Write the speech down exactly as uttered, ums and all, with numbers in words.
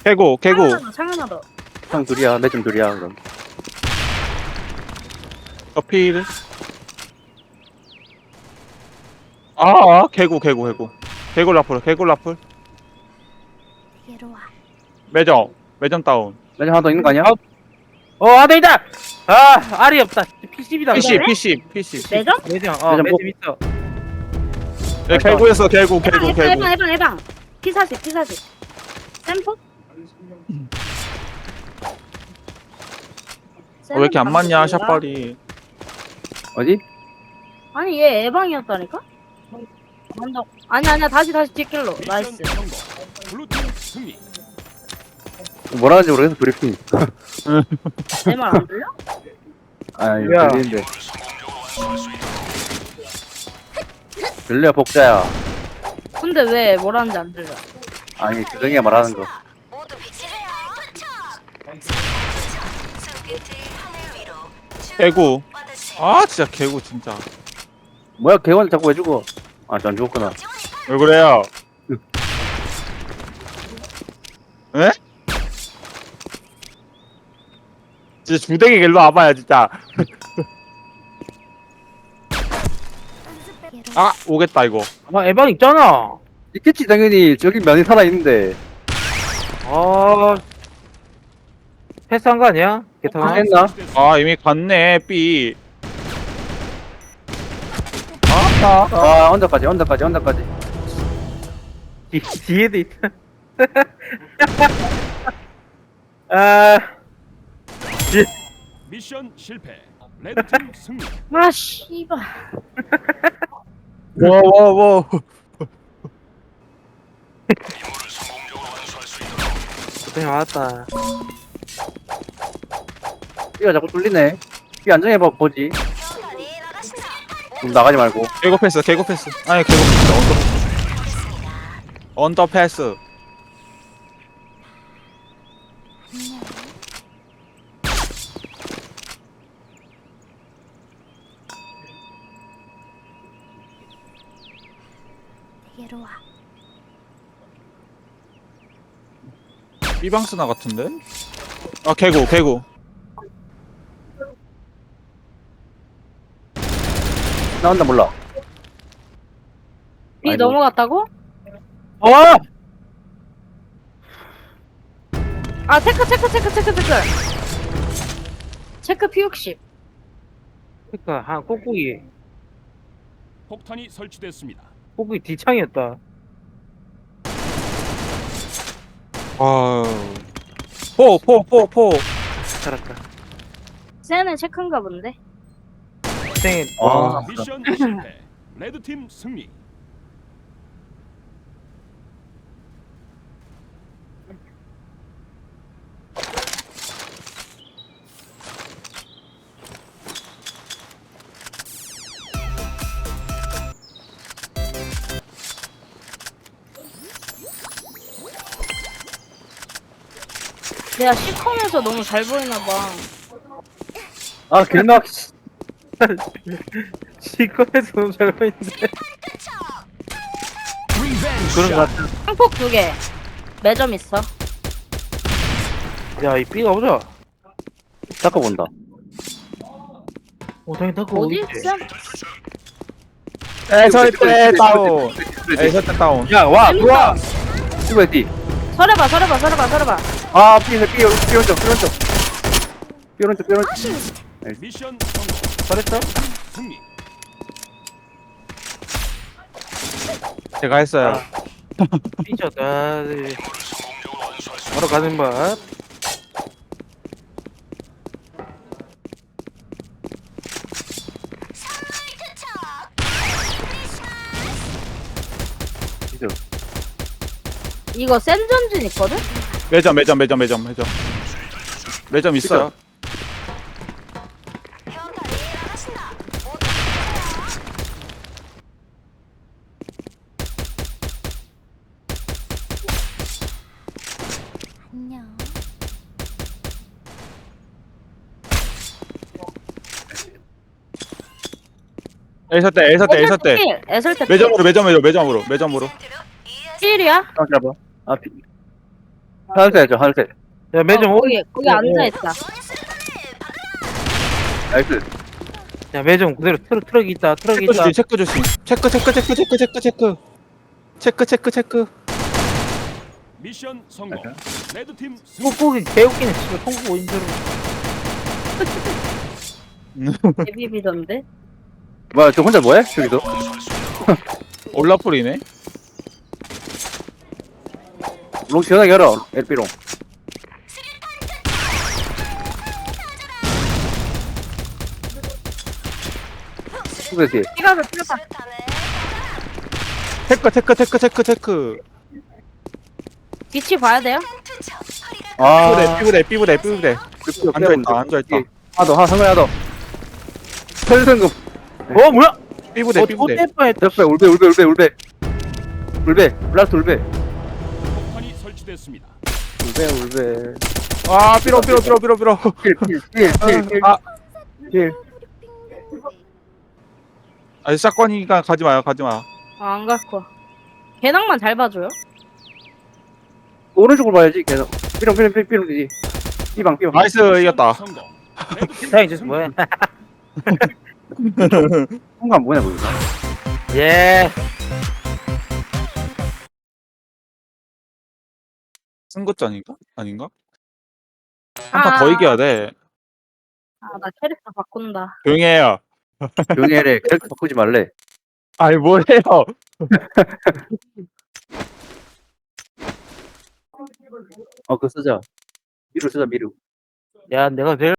개구 개구. 창하나 창하나 형 둘이야. 매점 둘이야 그럼. 어필. 아 개구 개구 개구. 개구 라플 개구 라플. 얘로 와. 매점 매점 다운. 매점 하나 더 있는 거 아니야? 어 아들이다. 아 알이 없다. 피십이다. 피씨 왜? 피씨 피씨. 매점? 매점 어 매점 매점 있어. 네, 개구였어 개구 해방 개구 해방 개구. 해방 해방 해방. 피사십 피사십. 샘포? 어, 왜 이렇게 안 맞냐 샷발이. 어디? 아니 얘 예방이었다니까? 먼저 아니 아니야 다시 다시 뒷길로 나이스. 미션 성공. 블루팀 승리. 뭐라 하는지 모르겠어 브리핑. 내 말 안 들려? 아니 야. 들리는데. 들려 복자야. 근데 왜 뭐라는지 안 들려? 아니 규정이가 말하는 거. 개구. 아 진짜 개구 진짜. 뭐야 개원 자꾸 왜 죽어? 아안 죽었구나. 왜 그래요? 에? 진짜 주댕이 일로 와봐요 진짜. 아 오겠다 이거. 아 에방 있잖아. 있겠지 당연히 저기 면이 살아 있는데. 아 패스한 거 아니야? 개통. 아, 했나? 아 이미 갔네 B. 아따. 아 언더까지 언더까지 언더까지. 뒤 뒤에도 있다. 아 미션 실패. 레드팀 승리. 아 씨발. 와와와. 고생 많았다. 삐가 자꾸 뚫리네. 삐 안정해봐 보지. 좀 나가지 말고. 개고 패스 개고 패스. 아니 개고 패스 언더 패스. 언더 패스. 얘로 와. B방스나 같은데? 아 개구 개구. 나온다 몰라. B 아이고. 넘어갔다고? 어! 아 체크 체크 체크 체크 체크. 체크 피 육십. 그니까 한 꾹꾹이 폭탄이 설치됐습니다. 꾹꾹이 뒤창이었다. 아. 포포포 포. 살았다. 쟤는 체크인가 본데. 고생했. 아. 미션 실패. 레드팀 승리. 내가 시컴에서 너무 잘 보이나 봐. 아 길막. 시커에서 너무 잘 보이는데. 그런 거 같아. 항폭 두 개. 매점 있어. 야이 B가 오자. 닦아 본다. 오 당연히 닦고 어디 오겠지. 있어? 에서 때 다운. 에서 때 다운. 야와 들어와. 이거 어디? 서려봐 서려봐 서려봐 서려봐. 아 삐, 삐, 삐 오른쪽 삐 오른쪽. 삐 오른쪽 삐 오른쪽. 미션 성공. 잘했어? 승리. 제가 했어요. 삐졌다. 네. 바로 가는 맛. 진짜. 이거 센전진 있거든? 매점 매점 매점 매점 매점. 매점 있어요. 안녕. 에서 때 에서 때 에서 때. 애설 때 매점으로 매점 매점 매점으로 매점으로. 필이야? 아 잡아. 아 삐. 하늘색이죠, 하늘색. 야 매점 어, 오 거기 거기 앉아있다. 나이스. 야 매점 그대로 트럭 트럭이 있다 트럭이 체크 있다 조심 체크 조심 체크 체크 체크 체크 체크 체크 체크 체크 체크 미션 성공. 레드팀 승리. 이거 보기 개웃기네 씨발 통구 오인처럼 데뷔비던데. 뭐야, 저 혼자 뭐해? 저기도? 올라풀이네. 롱 시원하게 열어, 엘피롱. 후배지. 피가서 피가. 체크 체크 체크 체크 체크. 위치 봐야 돼요? 아, 삐부대 삐부대 삐부대 삐부대. 앉아있다 앉아있다. 하나 더, 하나 성공 하나 더. 설승금. 어 뭐야 삐부대 어 삐부대. 좆대뻔했다 옆에 울베, 울베, 울베, 울베. 울베, 블라스트 울베. 폭탄이 설치됐습니다. 울베, 울베. 아 삐로 삐로 삐로 삐로 삐로. 킬, 킬, 킬, 킬, 킬. 아 킬. 아니 샷건이니까 가지 마요 가지 마. 아, 안 갖고. 개낭만 잘 봐줘요. 오른쪽으로 봐야지, 계속. 삐롱, 삐롱, 삐롱, 삐롱이지. 삐방, 삐방. 나이스 이겼다. 성공. 레드팀 자 이제 뭐야 순간 뭐냐, 보이나? 예 승급전인가? 아닌가? 아. 한 판 더 이겨야 돼. 아, 나 캐릭터 바꾼다. 조용히 해요. 조용히 해래. 캐릭터 바꾸지 말래. 아니 뭐해요? 어, 그거 쓰자. 미루 쓰자, 미루. 야 내가 제일